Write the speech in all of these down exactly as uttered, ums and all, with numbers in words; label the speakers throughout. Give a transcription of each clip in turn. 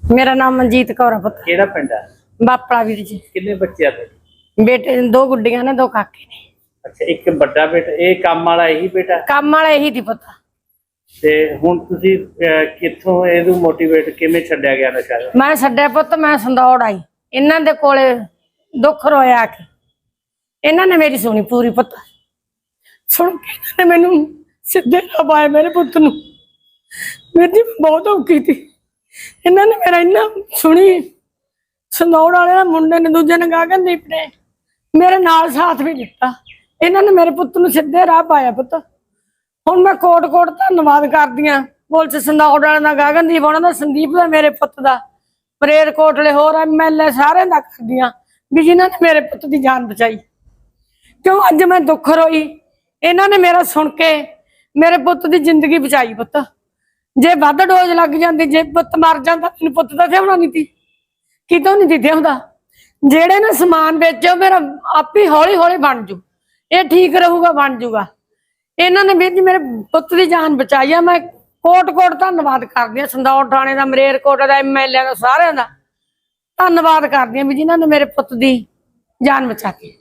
Speaker 1: मेरा नाम मनजीत कौर है पुत्र।
Speaker 2: ਕਿਹੜਾ ਪਿੰਡ ਹੈ?
Speaker 1: बापड़ा वीर जी।
Speaker 2: ਕਿੰਨੇ ਬੱਚੇ ਆ ਤੁਹਾਡੇ?
Speaker 1: बेटे दो गुड्डियां ने, दो काके ने।
Speaker 2: ਅੱਛਾ, ਇੱਕ ਵੱਡਾ ਬੇਟਾ, ਇਹ ਕੰਮ वाला ਇਹੀ ਬੇਟਾ
Speaker 1: काम वाला यही थी पुत्र।
Speaker 2: ਤੇ ਹੁਣ ਤੁਸੀਂ ਅਹ, ਕਿੱਥੋਂ ਇਹਨੂੰ ਮੋਟੀਵੇਟ ਕਿਵੇਂ ਛੱਡਿਆ ਗਿਆ ਨਸ਼ਾ?
Speaker 1: मैं छड्या पुत, मैं संदौड़ आई इन्हां दे कोले, दुख रोया आके इन्हां ने मेरी सुनी पूरी पुत। सुन के इन्हां ने मैनू सीधे राह पाया मेरे पुत नूं। मेरी जी बहुत औखी थी, इन्हां ने मेरा इन्ना सुनी। संदौड़ वाले ना मुंडे ने, दूजे ने गगनदीप ने मेरे नाल साथ भी दिता। इन्हां ने मेरे पुत नूं सीधे राह पाया पुत। हुण मैं कोट कोट धन्नवाद करदी हां पुलिस संदौड़ वाले दा, गगनदीप उन्हां दा, संदीप दा, मेरे पुत दा, परेर कोटले होर एम एल ए सारे दा करदी हां भी जिन्हां ने मेरे पुत दी जान बचाई। क्यों अज मैं दुख रोई, इन्हां ने मेरा सुन के मेरे पुत दी जिंदगी बचाई पुत। जे वध डोज लग जाती, जे पुत मर जाता, मैनूं पुत दा थिआउणा नहीं ती, कितों नहीं ती थिआउंदा। जेड़े ने समान बेचो मेरा आप ही हौली हौली बन जू, ये ठीक रहूगा, बन जूगा। इन्हां ने वीर जी मेरे पुत दी जान बचाई है। मैं कोट कोट धन्नवाद करदी हां संदौड़ थाणे दा, मलेरकोट दा, एम एल ए दा, सारिआं दा धन्नवाद करदी हां भी जिन्हां ने मेरे पुत दी जान बचाई।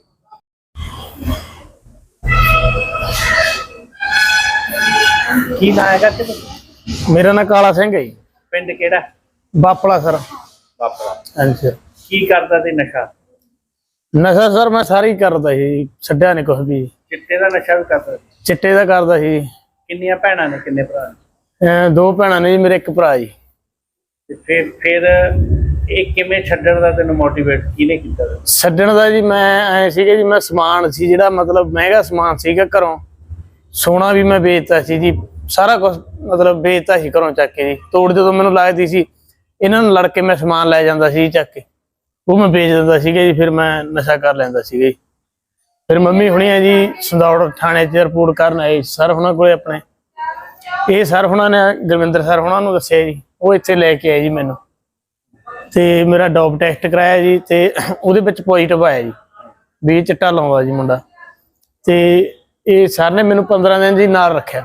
Speaker 2: ਕੀ ਨਾਂ ਹੈਗਾ ਤੇ
Speaker 3: मेरा नाम काला सिंह है जी।
Speaker 2: ਪਿੰਡ ਕਿਹੜਾ?
Speaker 3: बापड़ा सर।
Speaker 2: ਬਾਪੜਾ।
Speaker 3: हाँ जी सर।
Speaker 2: ਕੀ ਕਰਦਾ ਤੇ ਨਸ਼ਾ?
Speaker 3: नशा सर मैं सारी करदा ਸੀ, ਛੱਡਿਆ ਨਹੀਂ ਕੁਛ ਵੀ।
Speaker 2: ਚਿੱਟੇ ਦਾ ਨਸ਼ਾ ਵੀ ਕਰਦਾ?
Speaker 3: ਚਿੱਟੇ ਦਾ ਕਰਦਾ ਸੀ।
Speaker 2: ਕਿੰਨੀਆਂ ਭੈਣਾਂ ਨੇ, ਕਿੰਨੇ ਭਰਾ ਨੇ?
Speaker 3: ਅਹ ਦੋ ਭੈਣਾਂ ਨੇ ਜੀ, ਮੇਰੇ ਇੱਕ ਭਰਾ ਜੀ।
Speaker 2: ਤੇ ਫਿਰ ਫਿਰ ਇਹ ਕਿਵੇਂ ਛੱਡਣ ਦਾ ਤੈਨੂੰ ਮੋਟੀਵੇਟ ਕਿਹਨੇ ਕੀਤਾ?
Speaker 3: ਛੱਡਣ ਦਾ ਜੀ ਮੈਂ ਐ ਸੀਗਾ ਜੀ, ਮੈਂ ਸਮਾਨ ਸੀ ਜਿਹੜਾ ਮਤਲਬ ਮਹਿੰਗਾ ਸਮਾਨ ਸੀਗਾ ਘਰੋਂ, ਸੋਨਾ ਵੀ ਮੈਂ ਵੇਚਤਾ ਸੀ ਜੀ, ਸਾਰਾ ਕੁਝ ਮਤਲਬ ਵੇਚਤਾ ਸੀ ਘਰੋਂ ਚੱਕ ਕੇ ਜੀ। ਤੋੜ ਜਦੋਂ ਮੈਨੂੰ ਲੱਗਦੀ ਸੀ ਇਹਨਾਂ ਨੂੰ ਲੜ ਕੇ ਮੈਂ ਸਮਾਨ ਲੈ ਜਾਂਦਾ ਸੀ ਚੱਕ ਕੇ, ਉਹ ਮੈਂ ਵੇਚ ਦਿੰਦਾ ਸੀਗਾ ਜੀ। ਫਿਰ ਮੈਂ ਨਸ਼ਾ ਕਰ ਲੈਂਦਾ ਸੀਗਾ ਜੀ। ਫਿਰ ਮੰਮੀ ਹੁਣੀ ਆ ਜੀ ਸੰਦੌੜ ਥਾਣੇ 'ਚ ਰਿਪੋਰਟ ਕਰਨ ਆਏ ਸਰ ਉਹਨਾਂ ਕੋਲੇ ਆਪਣੇ। ਇਹ ਸਰ ਹੁਣਾਂ ਨੇ, ਗੁਰਵਿੰਦਰ ਸਰ ਹੁਣਾਂ ਨੂੰ ਦੱਸਿਆ ਜੀ, ਉਹ ਇੱਥੇ ਲੈ ਕੇ ਆਏ ਜੀ ਮੈਨੂੰ, ਤੇ ਮੇਰਾ ਡੋਪ ਟੈਸਟ ਕਰਾਇਆ ਜੀ, ਤੇ ਉਹਦੇ ਵਿੱਚ ਪੋਜ਼ਿਟਿਵ ਆਇਆ ਜੀ ਵੀ ਇਹ ਚਿੱਟਾ ਲਾਉਂਦਾ ਜੀ ਮੁੰਡਾ। ਤੇ ਇਹ ਸਰ ਨੇ ਮੈਨੂੰ ਪੰਦਰਾਂ ਦਿਨ ਜੀ ਨਾਲ ਰੱਖਿਆ,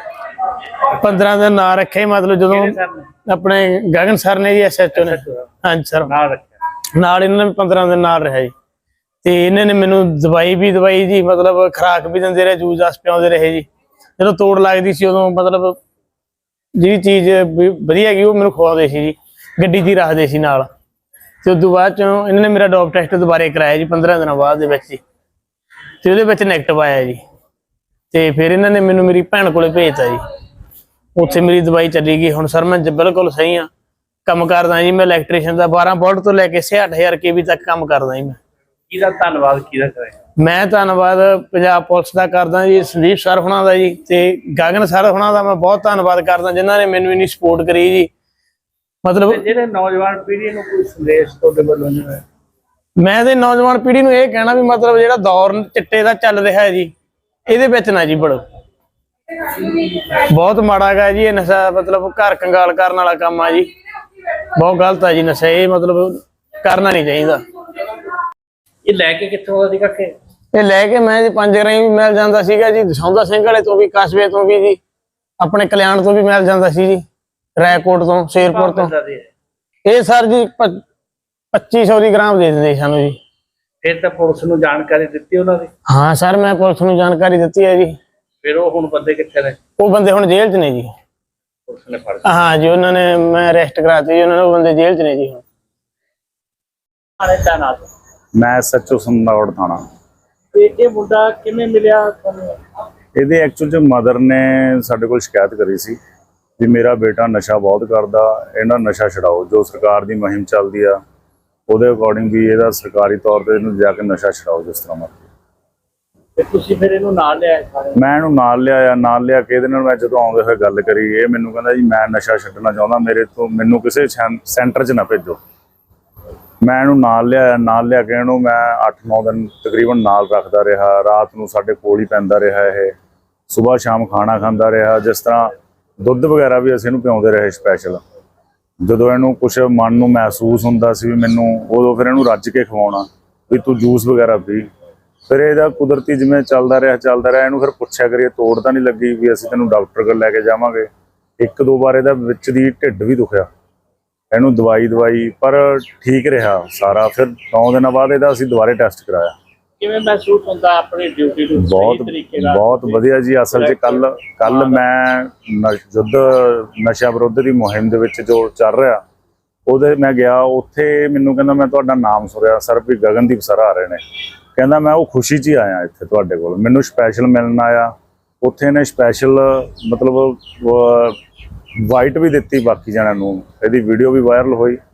Speaker 3: ਪੰਦਰਾਂ ਦਿਨ ਨਾਲ ਰੱਖਿਆ। ਮਤਲਬ ਜਦੋਂ ਆਪਣੇ ਗਗਨ ਸਰ ਨੇ ਜੀ, ਐਸ ਐਚ ਓ ਨੇ, ਹਾਂਜੀ ਸਰ,
Speaker 2: ਨਾਲ ਰੱਖਿਆ,
Speaker 3: ਨਾਲ ਇਹਨਾਂ ਨੇ ਪੰਦਰਾਂ ਦਿਨ ਨਾਲ ਰਿਹਾ ਜੀ। ਤੇ ਇਹਨਾਂ ਨੇ ਮੈਨੂੰ ਦਵਾਈ ਵੀ ਦਵਾਈ ਜੀ, ਮਤਲਬ ਖੁਰਾਕ ਵੀ ਦਿੰਦੇ ਰਹੇ, ਜੂਸ ਜਾਸ ਪਿਆਉਂਦੇ ਰਹੇ ਜੀ। ਜਦੋਂ ਤੋੜ ਲੱਗਦੀ ਸੀ ਉਦੋਂ ਮਤਲਬ ਜਿਹੜੀ ਚੀਜ਼ ਵਧੀਆ ਹੈਗੀ ਉਹ ਮੈਨੂੰ ਖਵਾਉਂਦੇ ਸੀ ਜੀ, ਗੱਡੀ 'ਚ ਹੀ ਰੱਖਦੇ ਸੀ ਨਾਲ। ਤੇ ਉਸ ਤੋਂ ਬਾਅਦ ਚੋਂ ਇਹਨਾਂ ਨੇ ਮੇਰਾ ਡੋਪ ਟੈਸਟ ਦੁਬਾਰੇ ਕਰਾਇਆ ਜੀ ਪੰਦਰਾਂ ਦਿਨਾਂ ਬਾਅਦ ਦੇ ਵਿੱਚ ਜੀ, ਤੇ ਉਹਦੇ ਵਿੱਚ ਨੈਗੇਟਿਵ ਆਇਆ ਜੀ। ਤੇ ਫਿਰ ਇਹਨਾਂ ਨੇ ਮੈਨੂੰ ਮੇਰੀ ਭੈਣ ਕੋਲੇ ਭੇਜਤਾ ਜੀ, ਉੱਥੇ ਮੇਰੀ ਦਵਾਈ ਚੱਲੀ ਗਈ। ਹੁਣ ਸਰ ਮੈਂ ਬਿਲਕੁਲ ਸਹੀ ਹਾਂ, ਕੰਮ ਕਰਦਾ ਜੀ। ਮੈਂ ਇਲੈਕਟ੍ਰੀਸ਼ੀਅਨ ਦਾ ਬਾਰਾਂ ਵੋਲਟ ਤੋਂ ਲੈ ਕੇ ਛਿਆਹਠ ਹਜ਼ਾਰ ਕੇ ਵੀ ਤੱਕ ਕੰਮ ਕਰਦਾ ਜੀ। ਮੈਂ
Speaker 2: ਕਿਹਦਾ ਧੰਨਵਾਦ ਕਿਹਦਾ ਕਰੇ?
Speaker 3: ਮੈਂ ਧੰਨਵਾਦ ਪੰਜਾਬ ਪੁਲਿਸ ਦਾ ਕਰਦਾ ਜੀ, ਸੰਦੀਪ ਸਰ ਹੁਣਾਂ ਦਾ ਜੀ, ਤੇ ਗਗਨ ਸਰ ਹੁਣਾਂ ਦਾ ਮੈਂ ਬਹੁਤ ਧੰਨਵਾਦ ਕਰਦਾ ਜਿਨ੍ਹਾਂ ਨੇ ਮੈਨੂੰ ਇੰਨੀ ਸਪੋਰਟ ਕਰੀ ਜੀ। ਮਤਲਬ
Speaker 2: ਜਿਹੜੇ ਨੌਜਵਾਨ ਪੀੜ੍ਹੀ ਨੂੰ ਕੋਈ ਸੰਦੇਸ਼ ਤੁਹਾਡੇ ਵੱਲੋਂ ਨਹੀਂ ਹੋਇਆ?
Speaker 3: ਮੈਂ ਤੇ ਨੌਜਵਾਨ ਪੀੜ੍ਹੀ ਨੂੰ ਇਹ ਕਹਿਣਾ ਵੀ ਮਤਲਬ ਜਿਹੜਾ ਦੌਰ ਚਿੱਟੇ ਦਾ ਚੱਲ ਰਿਹਾ ਹੈ ਜੀ, ਇਹਦੇ ਵਿੱਚ ਨਾ ਜੀ ਵੜੋ। ਬਹੁਤ ਮਾੜਾ ਗਾ ਜੀ ਇਹ ਨਸ਼ਾ, ਮਤਲਬ ਘਰ ਕੰਗਾਲ ਕਰਨ ਵਾਲਾ ਕੰਮ ਆ ਜੀ, ਬਹੁਤ ਗਲਤ ਆ ਜੀ ਨਸ਼ਾ, ਇਹ ਮਤਲਬ ਕਰਨਾ ਨਹੀਂ ਚਾਹੀਦਾ।
Speaker 2: ਇਹ ਲੈ ਕੇ ਕਿੱਥੋਂ ਆਉਂਦਾ ਸੀ ਕਾਕੇ?
Speaker 3: ਇਹ ਲੈ ਕੇ ਮੈਂ ਜੀ ਪੰਜ ਰਾਈ ਵੀ ਮਿਲ ਜਾਂਦਾ ਸੀਗਾ ਜੀ, ਦਸੌਂਦਾ ਸਿੰਘ ਵਾਲੇ ਤੋਂ ਵੀ, ਕਸਬੇ ਤੋਂ ਵੀ ਜੀ, ਆਪਣੇ ਕਲਿਆਣ ਤੋਂ ਵੀ ਮਿਲ ਜਾਂਦਾ ਸੀ ਜੀ, ਰਾਏਕੋਟ ਤੋਂ, ਸ਼ੇਰਪੁਰ ਤੋਂ। ਇਹ ਸਰ ਜੀ ਪੱਚੀ ਸੌ ਦੀ ਗ੍ਰਾਮ ਦੇ ਦਿੰਦੇ ਸਾਨੂੰ ਜੀ।
Speaker 2: ਫਿਰ ਤਾਂ ਪੁਲਿਸ ਨੂੰ ਜਾਣਕਾਰੀ ਦਿੱਤੀ ਉਹਨਾਂ ਦੀ?
Speaker 3: ਹਾਂ ਸਰ ਮੈਂ ਪੁਲਿਸ ਨੂੰ ਜਾਣਕਾਰੀ ਦਿੱਤੀ ਹੈ ਜੀ।
Speaker 2: ਫਿਰ ਉਹ ਹੁਣ ਬੰਦੇ ਕਿੱਥੇ ਨੇ?
Speaker 3: ਉਹ ਬੰਦੇ ਹੁਣ ਜੇਲ੍ਹ 'ਚ ਨੇ ਜੀ।
Speaker 2: ਪੁਲਿਸ ਨੇ ਫੜ?
Speaker 3: ਹਾਂ ਜੀ, ਉਹਨਾਂ ਨੇ, ਮੈਂ ਅਰੈਸਟ ਕਰਾਤੀ ਜੀ ਉਹਨਾਂ ਨੇ, ਉਹ ਬੰਦੇ ਜੇਲ੍ਹ 'ਚ ਨੇ ਜੀ ਹੁਣ।
Speaker 4: ਮੈਂ ਸੱਚੋ ਸੰਦੌੜ ਥਾਣਾ।
Speaker 2: ਤੇ ਇਹ ਮੁੰਡਾ ਕਿਵੇਂ ਮਿਲਿਆ ਤੁਹਾਨੂੰ?
Speaker 4: ਇਹਦੇ ਐਕਚੁਅਲ 'ਚ ਮਦਰ ਨੇ ਸਾਡੇ ਕੋਲ ਸ਼ਿਕਾਇਤ ਕਰੀ ਸੀ ਵੀ ਮੇਰਾ ਬੇਟਾ ਨਸ਼ਾ ਬਹੁਤ ਕਰਦਾ, ਇਹਨਾਂ ਨਸ਼ਾ ਛਡਾਓ। ਜੋ ਸਰਕਾਰ ਦੀ ਮੁਹਿੰਮ ਚੱਲਦੀ ਆ ਉਹਦੇ ਅਕੋਰਡਿੰਗ ਵੀ ਇਹਦਾ ਸਰਕਾਰੀ ਤੌਰ ਤੇ ਇਹਨੂੰ ਜਾ ਕੇ ਨਸ਼ਾ ਛਡਾਓ ਜਿਸ ਤਰ੍ਹਾਂ ਮਰਜ਼ੀ।
Speaker 2: ਤੇ ਤੁਸੀਂ ਫਿਰ ਇਹਨੂੰ ਨਾਲ ਲਿਆਏ?
Speaker 4: ਮੈਂ ਇਹਨੂੰ ਨਾਲ ਲਿਆਇਆ, ਨਾਲ ਲਿਆ ਕੇ ਇਹਦੇ ਨਾਲ ਮੈਂ ਜਦੋਂ ਆਉਂਦੇ ਹੋਏ ਗੱਲ ਕਰੀ, ਇਹ ਮੈਨੂੰ ਕਹਿੰਦਾ ਜੀ ਮੈਂ ਨਸ਼ਾ ਛੱਡਣਾ ਚਾਹੁੰਦਾ, ਮੇਰੇ ਤੋਂ ਮੈਨੂੰ ਕਿਸੇ ਸੈਂਟਰ 'ਚ ਨਾ ਭੇਜੋ। ਮੈਂ ਇਹਨੂੰ ਨਾਲ ਲਿਆਇਆ, ਨਾਲ ਲਿਆ ਕੇ ਇਹਨੂੰ ਮੈਂ ਅੱਠ ਨੌ ਦਿਨ ਤਕਰੀਬਨ ਨਾਲ ਰੱਖਦਾ ਰਿਹਾ। ਰਾਤ ਨੂੰ ਸਾਡੇ ਕੋਲ ਹੀ ਪੈਂਦਾ ਰਿਹਾ, ਇਹ ਸੁਬਾਹ ਸ਼ਾਮ ਖਾਣਾ ਖਾਂਦਾ ਰਿਹਾ। ਜਿਸ ਤਰ੍ਹਾਂ ਦੁੱਧ ਵਗੈਰਾ ਵੀ ਅਸੀਂ ਇਹਨੂੰ ਪਿਆਉਂਦੇ ਰਹੇ ਸਪੈਸ਼ਲ। ਜਦੋਂ ਇਹਨੂੰ ਕੁਛ ਮਨ ਨੂੰ ਮਹਿਸੂਸ ਹੁੰਦਾ ਸੀ ਵੀ ਮੈਨੂੰ, ਉਦੋਂ ਫਿਰ ਇਹਨੂੰ ਰੱਜ ਕੇ ਖਵਾਉਣਾ ਵੀ ਤੂੰ ਜੂਸ ਵਗੈਰਾ ਪੀ। ਫਿਰ ਇਹਦਾ ਕੁਦਰਤੀ ਜਿਵੇਂ ਚੱਲਦਾ ਰਿਹਾ ਚੱਲਦਾ ਰਿਹਾ ਇਹਨੂੰ ਫਿਰ ਪੁੱਛਿਆ ਕਰੀਏ ਤੋੜ ਤਾਂ ਨਹੀਂ ਲੱਗੀ ਵੀ ਅਸੀਂ ਤੈਨੂੰ ਡਾਕਟਰ ਕੋਲ ਲੈ ਕੇ ਜਾਵਾਂਗੇ। ਇੱਕ ਦੋ ਵਾਰ ਇਹਦਾ ਵਿੱਚ ਦੀ ਢਿੱਡ ਵੀ ਦੁਖਿਆ, ਇਹਨੂੰ ਦਵਾਈ ਦਵਾਈ ਪਰ ਠੀਕ ਰਿਹਾ ਸਾਰਾ। ਫਿਰ ਨੌ ਦਿਨਾਂ ਬਾਅਦ ਇਹਦਾ ਅਸੀਂ ਦੁਬਾਰੇ ਟੈਸਟ ਕਰਾਇਆ।
Speaker 2: ਕਿਵੇਂ ਮਹਿਸੂਸ ਹੁੰਦਾ ਆਪਣੀ ਡਿਊਟੀ ਨੂੰ
Speaker 4: ਬਹੁਤ
Speaker 2: ਸਹੀ ਤਰੀਕੇ ਨਾਲ?
Speaker 4: ਬਹੁਤ ਵਧੀਆ ਜੀ। ਅਸਲ 'ਚ ਕੱਲ ਕੱਲ ਮੈਂ ਨ- ਯੁੱਧ ਨਸ਼ਾ ਵਿਰੋਧ ਦੀ ਮੁਹਿੰਮ ਦੇ ਵਿੱਚ ਜੋ ਚੱਲ ਰਿਹਾ ਉਹਦੇ ਮੈਂ ਗਿਆ, ਉੱਥੇ ਮੈਨੂੰ ਕਹਿੰਦਾ ਮੈਂ ਤੁਹਾਡਾ ਨਾਮ ਸੁਣਿਆ ਸਰ ਵੀ ਗਗਨਦੀਪ ਸਰ ਆ ਰਹੇ ਨੇ। ਕਹਿੰਦਾ ਮੈਂ ਉਹ ਖੁਸ਼ੀ 'ਚ ਹੀ ਆਇਆ ਇੱਥੇ ਤੁਹਾਡੇ ਕੋਲ, ਮੈਨੂੰ ਸਪੈਸ਼ਲ ਮਿਲਣ ਆਇਆ। ਉੱਥੇ ਨੇ ਸਪੈਸ਼ਲ ਮਤਲਬ ਵਾਈਟ ਵੀ ਦਿੱਤੀ ਬਾਕੀ ਜਣਿਆਂ ਨੂੰ, ਇਹਦੀ ਵੀਡੀਓ ਵੀ ਵਾਇਰਲ ਹੋਈ।